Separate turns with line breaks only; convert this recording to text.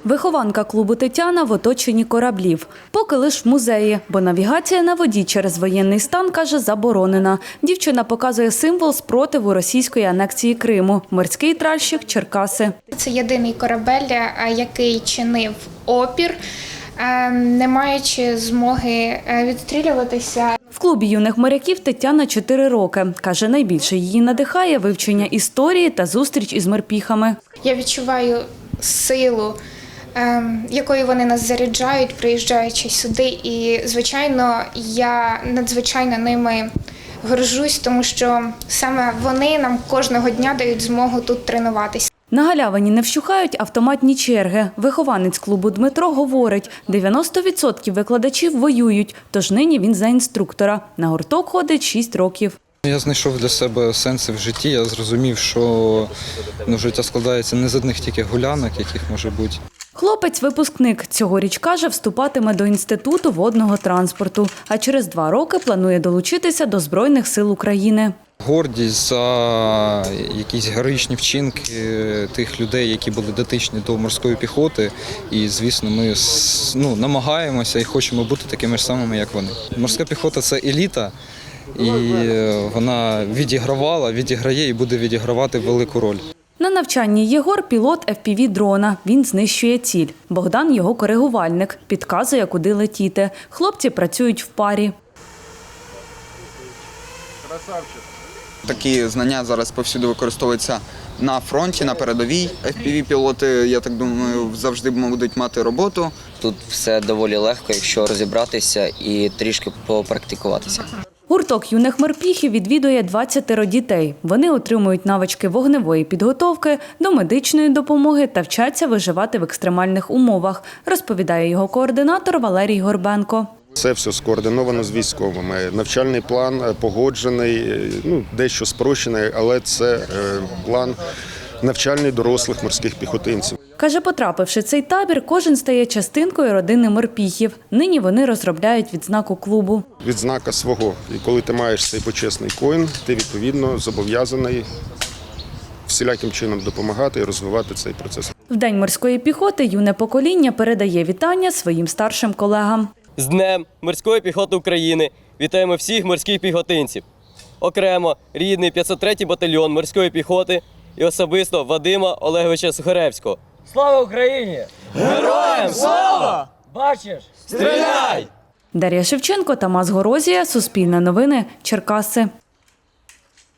Вихованка клубу «Тетяна» в оточенні кораблів. Поки лиш в музеї, бо навігація на воді через воєнний стан, каже, заборонена. Дівчина показує символ спротиву російської анексії Криму – морський тральщик «Черкаси».
Це єдиний корабель, який чинив опір, не маючи змоги відстрілюватися.
В клубі юних моряків Тетяна 4 роки. Каже, найбільше її надихає вивчення історії та зустріч із морпіхами.
Я відчуваю силу, якою вони нас заряджають, приїжджаючи сюди. І, звичайно, я надзвичайно ними горжусь, тому що саме вони нам кожного дня дають змогу тут тренуватися.
На галявині не вщухають автоматні черги. Вихованець клубу Дмитро говорить, 90% викладачів воюють, тож нині він за інструктора. На гурток ходить 6 років.
Я знайшов для себе сенси в житті, я зрозумів, що життя складається не з одних тільки гулянок, яких може бути.
Хлопець-випускник цьогоріч, каже, вступатиме до Інституту водного транспорту, а через 2 роки планує долучитися до Збройних сил України.
Гордість за якісь героїчні вчинки тих людей, які були дотичні до морської піхоти. І, звісно, ми намагаємося і хочемо бути такими ж самими, як вони. Морська піхота – це еліта, і вона відіграє і буде відігравати велику роль.
На навчанні Єгор – пілот FPV-дрона. Він знищує ціль. Богдан – його коригувальник. Підказує, куди летіти. Хлопці працюють в парі.
Красавчик. Такі знання зараз повсюди використовуються на фронті, на передовій. FPV-пілоти, я так думаю, завжди будуть мати роботу.
Тут все доволі легко, якщо розібратися і трішки попрактикуватися.
Гурток юних морпіхів відвідує 20 дітей. Вони отримують навички вогневої підготовки, до медичної допомоги та вчаться виживати в екстремальних умовах, розповідає його координатор Валерій Горбенко.
Це все скоординовано з військовими. Навчальний план погоджений, дещо спрощений, але це план навчальний дорослих морських піхотинців.
Каже, потрапивши в цей табір, кожен стає частинкою родини морпіхів. Нині вони розробляють відзнаку клубу.
Відзнака свого. І коли ти маєш цей почесний коін, ти відповідно зобов'язаний всіляким чином допомагати і розвивати цей процес.
В День морської піхоти юне покоління передає вітання своїм старшим колегам.
З Днем морської піхоти України вітаємо всіх морських піхотинців. Окремо рідний 503-й батальйон морської піхоти і особисто Вадима Олеговича Сухаревського.
Слава Україні! Героям слава! Бачиш? Стріляй!
Дар'я Шевченко, Тамас Горозія, Суспільне новини, Черкаси.